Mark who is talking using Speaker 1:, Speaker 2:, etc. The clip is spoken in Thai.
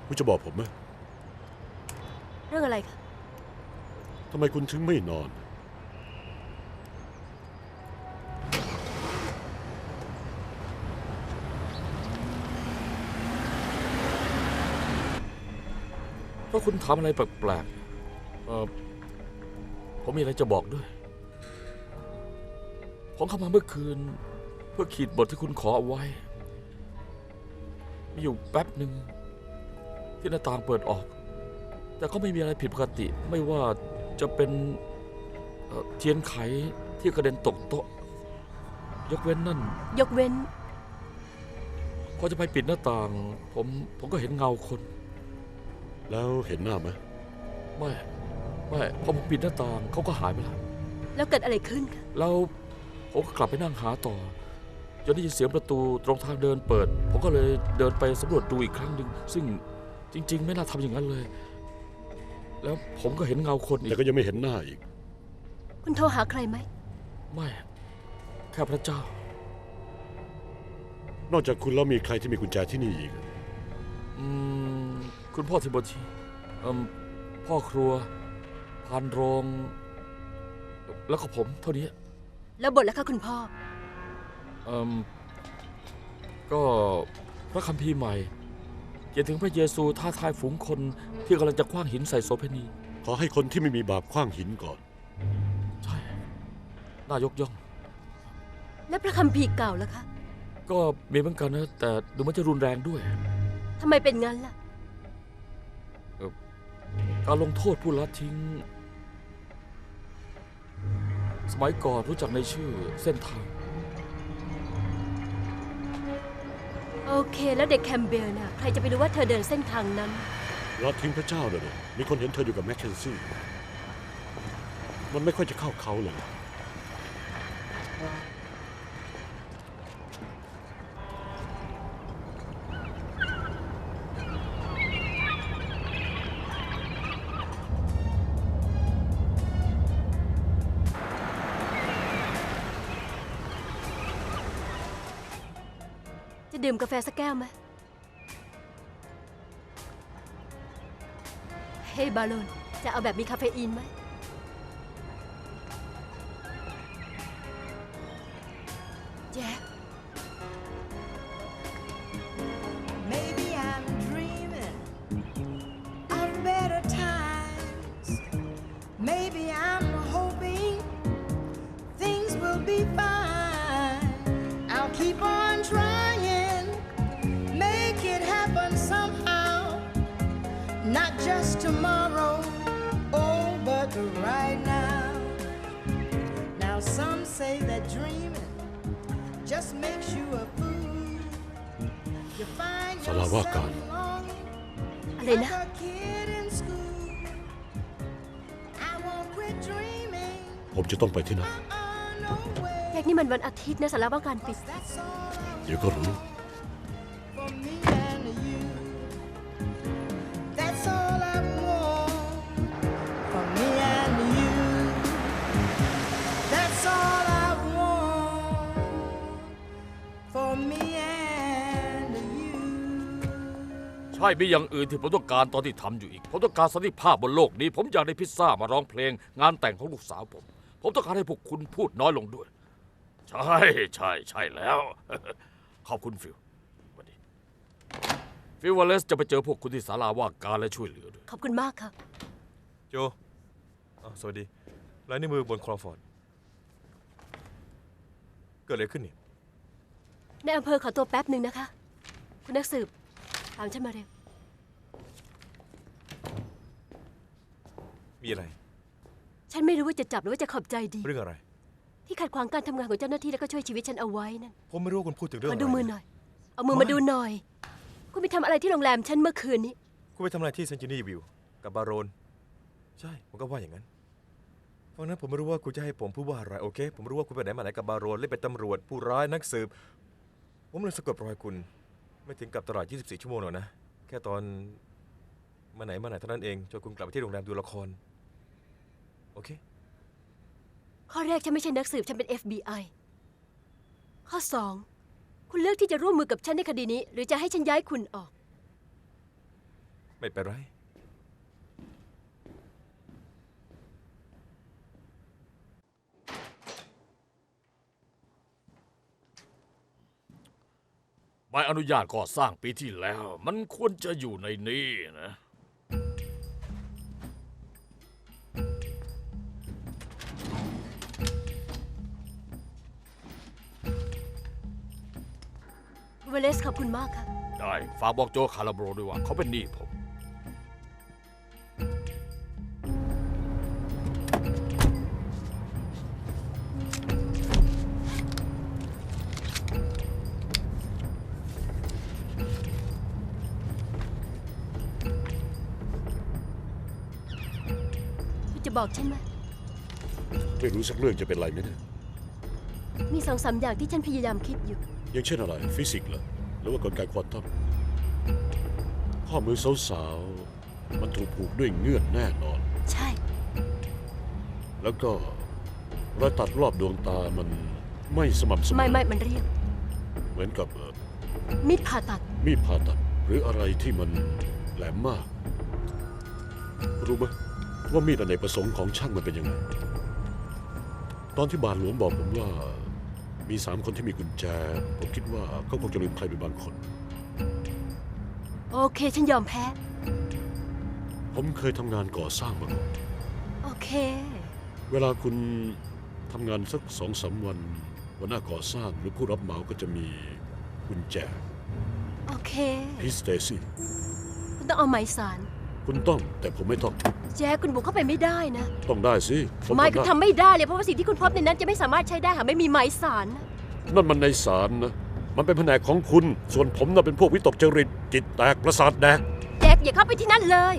Speaker 1: คุณจะบอกผมไหม
Speaker 2: เรื่องอะไรคะ
Speaker 1: ทำไมคุณถึงไม่นอน
Speaker 3: เพราะคุณทำอะไรแปลกผมมีอะไรจะบอกด้วย ผมเข้ามาเมื่อคืน เพื่อขีดบทที่คุณขอเอาไว้ มีอยู่แป๊บหนึ่งที่หน้าต่างเปิดออก แต่ก็ไม่มีอะไรผิดปกติ ไม่ว่าจะเป็นเทียนไขที่กระเด็นตกโต๊ะ ยกเว้นนั่น
Speaker 2: ยกเว้น
Speaker 3: พอจะไปปิดหน้าต่าง ผมก็เห็นเงาคน
Speaker 1: แล้วเห็นหน้าไหม
Speaker 3: ไม่พอผมปิดหน้าต่างเขาก็หายไปแล้ว
Speaker 2: แล้วเกิดอะไรขึ้นคะ
Speaker 3: แล้วผมก็กลับไปนั่งหาต่อจนได้ยินเสียงประตูตรงทางเดินเปิด ผมก็เลยเดินไปสำรวจดูอีกครั้งหนึ่งซึ่งจริง ๆ ไม่น่าทำอย่างนั้นเลย แล้วผมก็เห็นเงาคนอี
Speaker 1: แต่
Speaker 3: ก
Speaker 1: ก็ยังไม่เห็นหน้าอีก
Speaker 2: คุณโทรหาใครไหม
Speaker 3: ไม่แค่พระเจ้า
Speaker 1: นอกจากคุณแล้วมีใครที่มีกุญแจที่นี่อีก
Speaker 3: คุณพ่อทิโบธีพ่อครัวพานโรง แล้วก็ผมเท่านี้
Speaker 2: แล้วบทแล้วคะคุณพ่อ
Speaker 3: ก็พระคัมภีร์ใหม่เขียนถึงพระเยซูท้าทายฝูงคนที่กำลังจะคว้างหินใส่โสเภณี
Speaker 1: ขอให้คนที่ไม่มีบาปขว้างหินก่อน
Speaker 3: ใช่น่ายกย่อง
Speaker 2: และพระคัมภีร์เก่าล่ะคะ
Speaker 3: ก็มีเหมือนกันนะ แต่ดูมันจะรุนแรงด้วย
Speaker 2: ทำไมเป็นงั้นล่ะ
Speaker 3: การลงโทษผู้ละทิ้ง สมัยก่อนรู้จักในชื่อเส้นทาง
Speaker 2: โอเค แล้วเด็กแคมเบลน่ะ ใครจะไปรู้ว่าเธอเดินเส้นทางนั้น
Speaker 1: รัทิ้งพระเจ้าเลยมีคนเห็นเธออยู่กับแมคเคนซี่ มันไม่ค่อยจะเข้าเขาเลย
Speaker 2: จะดื่มกาแฟสักแก้วไหม เฮ้ยบาโลน จะเอาแบบมีคาเฟอีนไหม แจ็ค
Speaker 4: Maybe I'm dreaming of better times. Maybe I'm hoping things will be fine. I'll keep on trying, make it happen somehow. Not just tomorrow, oh, but right now. Now some say that dreaming just makes you a fool. You find
Speaker 1: สารว่าการ
Speaker 4: yourself longing
Speaker 2: อะไรนะ
Speaker 4: like a kid in school. I won't quit dreaming.
Speaker 1: ผมจะต้องไปที่นั่น
Speaker 4: No way.
Speaker 2: แจ็คนี่มันวันอาทิตย์นะสารว่าการปิด
Speaker 4: That's all
Speaker 1: เดี๋ยวก็รู้
Speaker 4: for me and you. That's all I want for me and you. That's all I want for me and you.
Speaker 3: ใช่มีอย่างอื่นที่ผมต้องการตอนที่ทำอยู่อีก ผมต้องการสันติภาพบนโลกนี้ ผมอยากได้พิซซ่ามาร้องเพลง งานแต่งของลูกสาวผม ผมต้องการให้พวกคุณพูดน้อยลงด้วย ใช่แล้ว ขอบคุณฟิลสวัสดีฟิลวาเลสจะไปเจอพวกคุณที่ศาลาว่าการและช่วยเหลือด้วย
Speaker 2: ขอบคุณมากค่ะ
Speaker 5: โจสวัสดีลายนิ้วมือบนคลอฟอร์ด เกิดอะไรขึ้นนี่
Speaker 2: ในอำเภอขอตัวแป๊บหนึ่งนะคะ คุณนักสืบ ตามฉันมาเร็ว
Speaker 5: มีอะไร
Speaker 2: ฉันไม่รู้ว่าจะจับหรือว่าจะขอบใจดี
Speaker 5: เรื่องอะไร
Speaker 2: ที่ขัดขวางการทำงานของเจ้าหน้าที่แล้วก็ช่วยชีวิตฉันเอาไว้นั่น
Speaker 5: ผมไม่รู้ว่าคุณพูดถึงเรื่อง
Speaker 2: ข
Speaker 5: อะ
Speaker 2: อ
Speaker 5: ไร
Speaker 2: ดูมือหน่อย เอามือมาดูหน่อย คุณไปทำอะไรที่โรงแรมฉันเมื่อคืนนี้
Speaker 5: คุณไปทำอะไรที่เซนจินี่วิวกับบาโรน ใช่ ผมก็ว่าอย่างนั้น เพราะนั้นผมไม่รู้ว่าคุณจะให้ผมพูดว่าอะไร โอเค ผมรู้ว่าคุณไปไหนมาไหนกับบาโรนเล่นเป็นตำรวจ ผู้ร้ายนักสืบ ผมเลยสะกดรอยคุณ ไม่ถึงกับตลอด 24 ชั่วโมงหรอกนะ แค่ตอนมาไหนเท่านั้นเองจนคุณกลับไปที่โรงแรมดูละคร โอเค
Speaker 2: ข้อแรกฉันไม่ใช่นักสืบฉันเป็น FBI ข้อ 2 คุณเลือกที่จะร่วมมือกับฉันในคดีนี้ หรือจะให้ฉันย้ายคุณออก
Speaker 5: ไม่เป็นไร
Speaker 3: ใบอนุญาตก่อสร้างปีที่แล้ว มันควรจะอยู่ในนี้นะ
Speaker 2: เวเลสขอบคุณมากค่ะ
Speaker 3: ได้ฝากบอกโจคาราโบรด้วยว่าเขาเป็นหนี้ผม
Speaker 2: คุณจะบอกฉันไหม
Speaker 1: ไม่รู้สักเรื่องจะเป็นไรไหมเนี่ย
Speaker 2: มีสองสามอย่างที่ฉันพยายามคิดอยู่
Speaker 1: อย่างเช่นอะไรฟิสิกส์เหรอหรือว่ากลไกควอนตัมข้อมือสาวๆมันถูกผูกด้วยเงื่อนแน่นอน
Speaker 2: ใช่
Speaker 1: แล้วก็รอยตัดรอบดวงตามันไม่สม่ำเสมอ
Speaker 2: ไม่มันเรียบ
Speaker 1: เหมือนกับ
Speaker 2: มีดผ่าตัด
Speaker 1: มีดผ่าตัดหรืออะไรที่มันแหลมมาก รู้ไหมว่ามีดอเนกประสงค์ของช่างมันเป็นยังไง ตอนที่บาทหลวงบอกผมว่ามี3 คนที่มีกุญแจ ผมคิดว่าเขาคงจะลืมใครไปบางคน
Speaker 2: โอเค ฉันยอมแพ้
Speaker 1: ผมเคยทำงานก่อสร้างมาก่อน
Speaker 2: โอเค
Speaker 1: เวลาคุณทำงานสัก2-3 วันหัวหน้าก่อสร้างหรือผู้รับเหมาก็จะมีกุญแจ
Speaker 2: โอเค
Speaker 1: พี่สเตซี่
Speaker 2: คุณต้องเอาหมายสาร
Speaker 1: คุณต้องแต่ผมไม่ต้อง
Speaker 2: แจ๊คคุณบุกเข้าไปไม่ได้นะ
Speaker 1: ต้องได้สิผม
Speaker 2: ไม่
Speaker 1: ทำ
Speaker 2: คุณ
Speaker 1: ได้
Speaker 2: ทำไม่ได้เลยเพราะว่าสิ่งที่คุณพบในนั้นจะไม่สามารถใช้ได้หากไม่มีหมายสารนะ
Speaker 1: นั่นมันในศาลนะ มันเป็นแผนกของคุณ ส่วนผมน่ะเป็นพวกวิตกจริต จิตแตกประสาทแดก
Speaker 2: แจ็คอย่าเข้าไปที่นั่นเลย